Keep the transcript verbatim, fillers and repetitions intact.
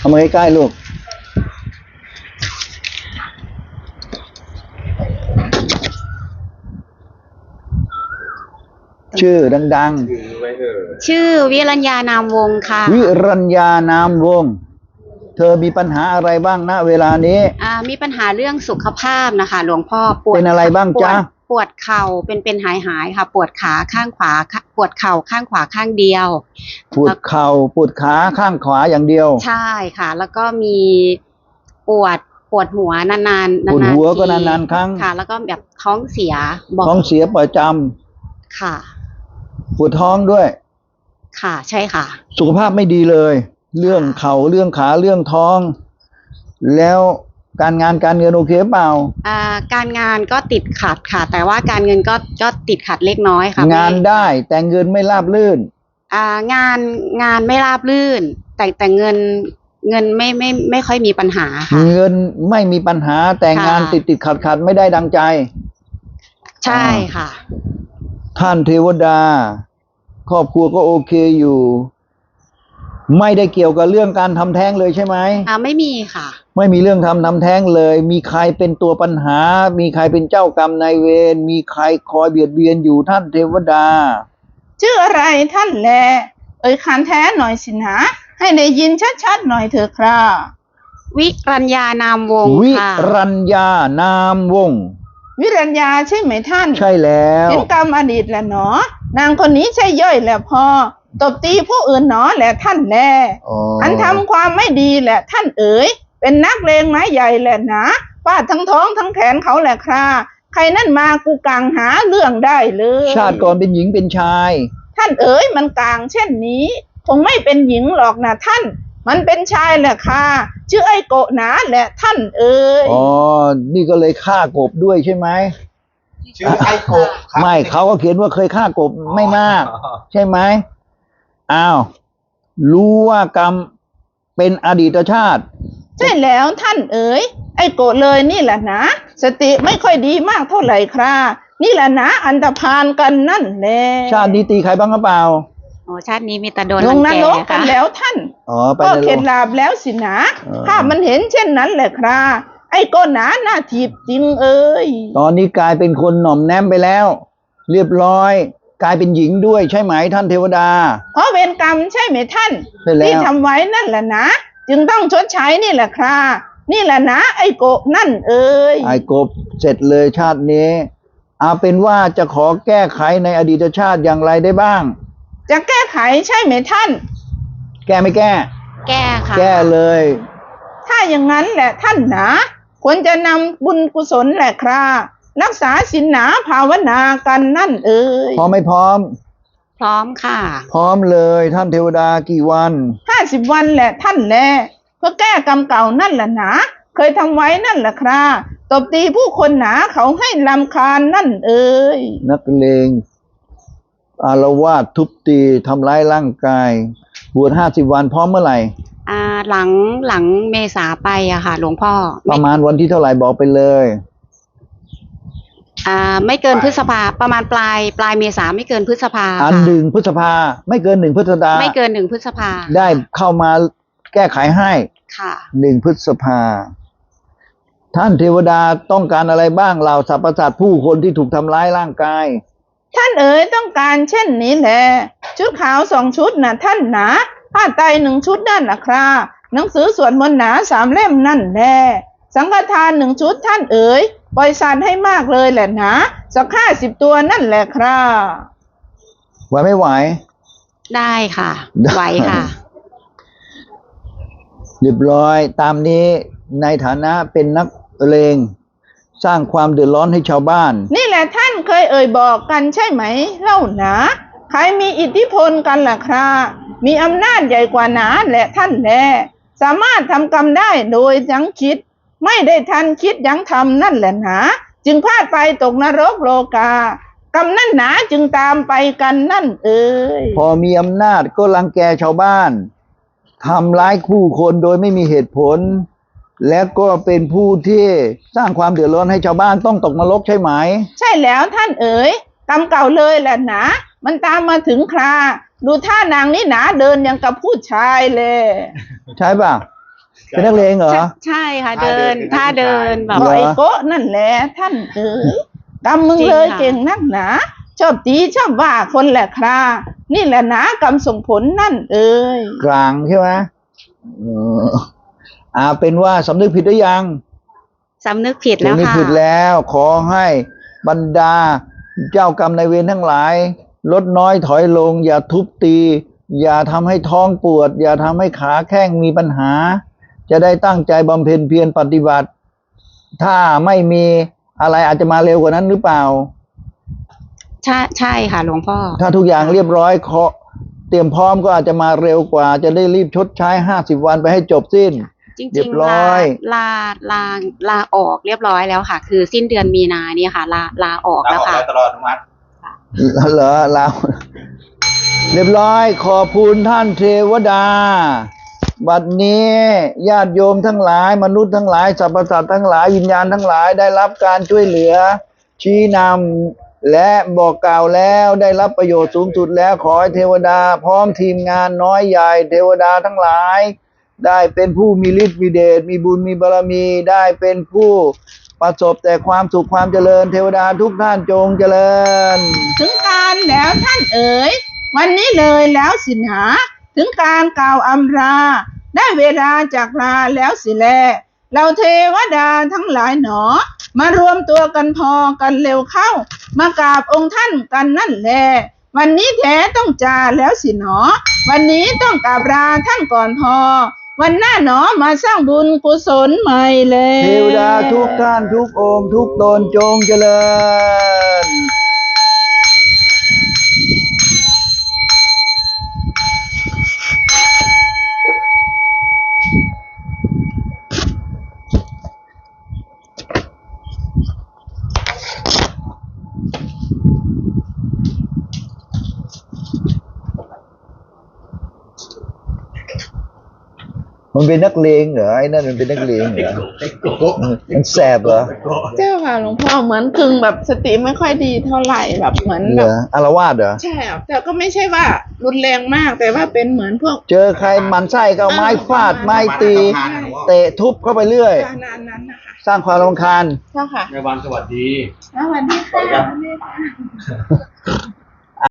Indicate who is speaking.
Speaker 1: เอามาใกล้ๆลูกชื่อดัง
Speaker 2: ๆชื่อวิรัญญานามวงศ์ค่ะ
Speaker 1: วิรัญญานามวงศ์เธอมีปัญหาอะไรบ้างณเวลานี้
Speaker 2: อ่ามีปัญหาเรื่องสุขภาพนะคะหลวงพ่อปวด
Speaker 1: เป็นอะไรบ้างจ๊ะ
Speaker 2: ปวดเข่าเป็นเป็นหายหายค่ะปวดขาข้างขวาปวดเข่าข้างขวาข้างเดียว
Speaker 1: ปวดเข่าปวดขาข้างขวาอย่างเดียว
Speaker 2: ใช่ค่ะแล้วก็มีปวดปวดหัวนานๆนานๆ
Speaker 1: ปวดหัวก็นานๆครั้ง
Speaker 2: ค่ะแล้วก็แบบท้องเสีย
Speaker 1: ท้องเสียประจำ
Speaker 2: ค่ะ
Speaker 1: ปวดท้องด้วย
Speaker 2: ค่ะใช่ค่ะ
Speaker 1: สุขภาพไม่ดีเลยเรื่องเข่าเรื่องขาเรื่องท้องแล้วการงานการเงินโอเคเปล่า
Speaker 2: อ่าการงานก็ติดขัดค่ะแต่ว่าการเงินก็ก็ติดขัดเล็กน้อยค่ะ
Speaker 1: งานได้แต่เงินไม่ราบรื่น
Speaker 2: อ่างานงานไม่ราบรื่นแต่แต่เงินเงินไม่ไม่ไม่ค่อยมีปัญหาค่ะ
Speaker 1: เงินไม่มีปัญหาแต่งานติดติดขัดขัดไม่ได้ดังใจ
Speaker 2: ใช่ค่ะ
Speaker 1: ท่านเทวดาครอบครัวก็โอเคอยู่ไม่ได้เกี่ยวกับเรื่องการทำแท้งเลยใช่ไหม
Speaker 2: อ่าไม่มีค่ะ
Speaker 1: ไม่มีเรื่องทำทำแท้งเลยมีใครเป็นตัวปัญหามีใครเป็นเจ้ากรรมนายเวรมีใครคอยเบียดเบียนอยู่ท่านเทวดา
Speaker 3: ชื่ออะไรท่านแลเอ่ยขานแท้หน่อยสินะให้ได้ยินชัดๆหน่อยเถอะครับ
Speaker 2: วิรัญญานามวงศ์
Speaker 1: วิ
Speaker 2: ค่ะ
Speaker 1: รัญญานามวงศ์
Speaker 3: วิรัญญาใช่ไหมท่าน
Speaker 1: ใช่แล้ว
Speaker 3: เห็นกรรมอดีตแหละหนอนางคนนี้ใช่ย่อยแหละพอตบตีผู้อื่นหนอแหละท่านแลอันทำความไม่ดีแหละท่านเอ๋ยเป็นนักเลงไม้ใหญ่แหละนะฟาดทั้งท้องทั้งแขนเขาแหละคราใครนั่นมากูกลางหาเรื่องได้เลย
Speaker 1: ชาติก่อนเป็นหญิงเป็นชาย
Speaker 3: ท่านเอ๋ยมันกลางเช่นนี้คงไม่เป็นหญิงหรอกนะท่านมันเป็นชายแหละค่ะชื่อไอ้โกะหนาแหละท่านเอ๋ย
Speaker 1: อ๋อนี่ก็เลยฆ่ากบด้วยใช่ไหม
Speaker 4: ชื่อไอ้กบ
Speaker 1: ไม่เขาก็เขียนว่าเคยฆ่ากบไม่มากใช่ไหมอ้าวรู้ว่ากรรมเป็นอดีตชาติ
Speaker 3: ใช่แล้วท่านเอ๋ยไอ้โกะเลยนี่แหละนะสติไม่ค่อยดีมากเท่าไหร่ครับนี่แหละนะอันธพาลกันนั่นแหละ
Speaker 1: ชาตินี้ตีใครบ้างหรือเปล่า
Speaker 2: โอ้ชาตินี้มีแต่โดน
Speaker 3: ลงนรก
Speaker 2: กั
Speaker 3: นแล้วท่าน
Speaker 1: อ๋อ
Speaker 3: ก็เข็ดหลาบแล้วสินะภาพมันเห็นเช่นนั้นแหละครับไอ้โกะหนาหน้าถีบจริงเอ๋ย
Speaker 1: ตอนนี้กลายเป็นคนหน่อมแนมไปแล้วเรียบร้อยกลายเป็นหญิงด้วยใช่ไหมท่านเทวดา
Speaker 3: เพราะเวรกรรมใช่ไหมท่านที่ทำไว้นั่นแหละนะจึงต้องชดใช้นี่แหละครับนี่แหละนะไอ้โกะนั่นเอ๋ย
Speaker 1: ไอ้กบเสร็จเลยชาตินี้เอาเป็นว่าจะขอแก้ไขในอดีตชาติอย่างไรได้บ้าง
Speaker 3: จะแก้ไขใช่ไหมท่าน
Speaker 1: แก้ไม่แก้
Speaker 2: แก้ค่ะ
Speaker 1: แก้เลย
Speaker 3: ถ้าอย่างนั้นแหละท่านนะควรจะนำบุญกุศลแหละครับรักษาศีลหนาภาวนากันนั่นเอ๋ย
Speaker 1: พร้อมไม่พร้อม
Speaker 2: พร้อมค่ะ
Speaker 1: พร้อมเลยท่านเทวดากี่วัน
Speaker 3: ห้าสิบวันแหละท่านแลเพื่อแก้กรรมเก่านั่นแหละนะเคยทำไว้นั่นแหละครับตบตีผู้คนหนาเขาให้รำคาญนั่นเอ๋ย
Speaker 1: นักเลงอาละวาดทุบตีทำร้ายร่างกายบวชห้าสิบวันพร้อมเมื่อไหร่
Speaker 2: อ่าหลังหลังเมษาไปอะค่ะหลวงพ่อ
Speaker 1: ประมาณวันที่เท่าไหร่บอกไปเลย
Speaker 2: อ่าไม่เกินพฤษภาประมาณปลายปลายเมษาไม่เกินพฤษภา
Speaker 1: อันหนึ่งพฤษภาไม่เกินหนึ่งพฤษภา
Speaker 2: ไม่เกินหนึ่งพฤษภา
Speaker 1: ได้เข้ามาแก้ไขให้
Speaker 2: ค่ะ
Speaker 1: หนึ่งพฤษภาท่านเทวดาต้องการอะไรบ้างเหล่าสรรพสัตว์ผู้คนที่ถูกทำร้ายร่างกาย
Speaker 3: ท่านเอ๋ยต้องการเช่นนี้แหละชุดขาวสองชุดนะท่านหนาผ้าไตรหนึ่งชุดนั่นนะครับหนังสือสวดมนต์หนาสามเล่มนั่นแหละสังฆทานหนึ่งชุดท่านเอ๋ยปล่อยสัตว์ให้มากเลยแหละนะสักห้าสิบตัวนั่นแหละครับ
Speaker 1: ไหวไม่ไหว
Speaker 2: ได้ค่ะไหวค่ะ
Speaker 1: เรียบร้อยตามนี้ในฐานะเป็นนักเลงสร้างความเดือดร้อนให้ชาวบ้าน
Speaker 3: นี่แหละท่านเคยเอ่ยบอกกันใช่ไหมเล่าหนาใครมีอิทธิพลกันล่ะครับมีอำนาจใหญ่กว่าหนาแหละท่านแลสามารถทำกรรมได้โดยยั้งคิดไม่ได้ทันคิดยั้งทำนั่นแหละหนาจึงพลาดไปตกนรกโลกากรรมนั่นหนาจึงตามไปกันนั่นเอ่ย
Speaker 1: พอมีอำนาจก็รังแกชาวบ้านทำร้ายผู้คนโดยไม่มีเหตุผลและก็เป็นผู้ที่สร้างความเดือดร้อนให้ชาวบ้านต้องตกนรกใช่ไหม
Speaker 3: ใช่แล้วท่านเอ๋ยกรรมเก่าเลยแหละหนามันตามมาถึงคราดูท่านางนี่หนาเดินยังกับผู้ชายเลย
Speaker 1: ใช่ป่ะเป็นนักเลงเหรอ
Speaker 2: ใช่ใช่ค่ะเดินท่าเดินแบบ
Speaker 1: เหร
Speaker 3: ไอ้โกะนั่นแหละท่านเอ๋ยกำมึง
Speaker 2: จริง
Speaker 3: เลย
Speaker 2: ค่ะ
Speaker 3: เก่งนักหนา ชอบตีชอบว่าคนแหละครานี่แหละนะกรรมส่งผลนั่นเอ๋ย
Speaker 1: กลางใช่ไหมเอออ่าเป็นว่าสำนึกผิดหรือยัง
Speaker 2: สำนึกผิดแล้ว
Speaker 1: สำนึก
Speaker 2: ค่ะ
Speaker 1: ผิดแล้ว ขอให้บรรดาเจ้ากรรมนายเวรทั้งหลาย ลดน้อยถอยลง อย่าทุบตี อย่าทำให้ท้องปวด อย่าทำให้ขาแข้งมีปัญหา จะได้ตั้งใจบำเพ็ญเพียรปฏิบัติ ถ้าไม่มีอะไรอาจจะมาเร็วกว่านั้นหรือเปล่า
Speaker 2: ใช่ใช่ค่ะหลวงพ่อ
Speaker 1: ถ้าทุกอย่างเรียบร้อยเคาะเตรียมพร้อมก็อาจจะมาเร็วกว่า จะได้รีบชดใช้ห้าสิบวันไปให้จบสิ้น
Speaker 2: จริง
Speaker 1: เรียบ
Speaker 2: ๆ
Speaker 1: ร้
Speaker 2: ลา
Speaker 1: อย
Speaker 2: ลาลาลาออกเรียบร้อยแล้วค่ะ คือสิ้นเดือนมีนาเนี่ยค่ะ ลาลาออก
Speaker 4: ลา
Speaker 2: แล้ว
Speaker 4: ออก
Speaker 2: ค่ะ
Speaker 4: แล้วตลอดอนุมัติ
Speaker 1: เหรอเราเรียบร้อย ขอบคุณท่านเทวดา บัดนี้ญาติโยมทั้งหลาย มนุษย์ทั้งหลายสรรพสัตว์ทั้งหลายวิญญาณทั้งหลายได้รับการช่วยเหลือ ชี้นำและบอกกล่าวแล้วได้รับประโยชน์สูงสุดแล้วขอให้เทวดา พร้อมทีมงานน้อยใหญ่ เทวดาทั้งหลาย ได้เป็นผู้มีฤทธิ์มีเดชมีบุญมีบารมีได้เป็นผู้ประสบแต่ความสุขความเจริญ เทวดาทุกท่านจงเจริญ
Speaker 3: ถึงการแล้วท่านเอ๋ยวันนี้เลยแล้วสินะถึงการกล่าวอำลาได้เวลาจากลาแล้วสิแลเราเทวดาทั้งหลายหนอ มารวมตัวกันพอกันเร็วเข้า มากราบองค์ท่านกันนั่นแลวันนี้แท้ต้องจาแล้วสิหนอ วันนี้ต้องกราบลาท่านก่อนพอ วันหน้าหนอมาสร้างบุญกุศลใหม่เลย
Speaker 1: เทวดาทุกท่านทุกองค์ทุกตนจงเจริญ มันเป็นนักเลงเหรอไอ้นั่นมันเป็นนักเลงเหรอ
Speaker 4: ไอ้โกะ
Speaker 1: มันแสบเหรอ
Speaker 4: ไอ้โกะ
Speaker 3: เจ้าค่ะหลวงพ่อเหมือนกึ่งแบบสติไม่ค่อยดีเท่าไหร่แบบเหมือน
Speaker 1: เห
Speaker 3: แบ
Speaker 1: ร
Speaker 3: บ
Speaker 1: ออารวาสเหรอ
Speaker 3: ใช่ครับแต่ก็ไม่ใช่ว่ารุนแรงมากแต่ว่าเป็นเหมือนพวก
Speaker 1: เจอใครหมันไส้ก็เอาไม้ฟาดไม้ตี
Speaker 4: ประมาณนั้นหลวงพ่อ
Speaker 1: เตะทุบเข้าไปเรื่อย
Speaker 3: การนานนั้นนะคะ
Speaker 1: สร้างความรำคาญ
Speaker 3: เจ้าค่ะ
Speaker 4: ในวันสวัสดี
Speaker 3: แล้ววันนี้ค่ะ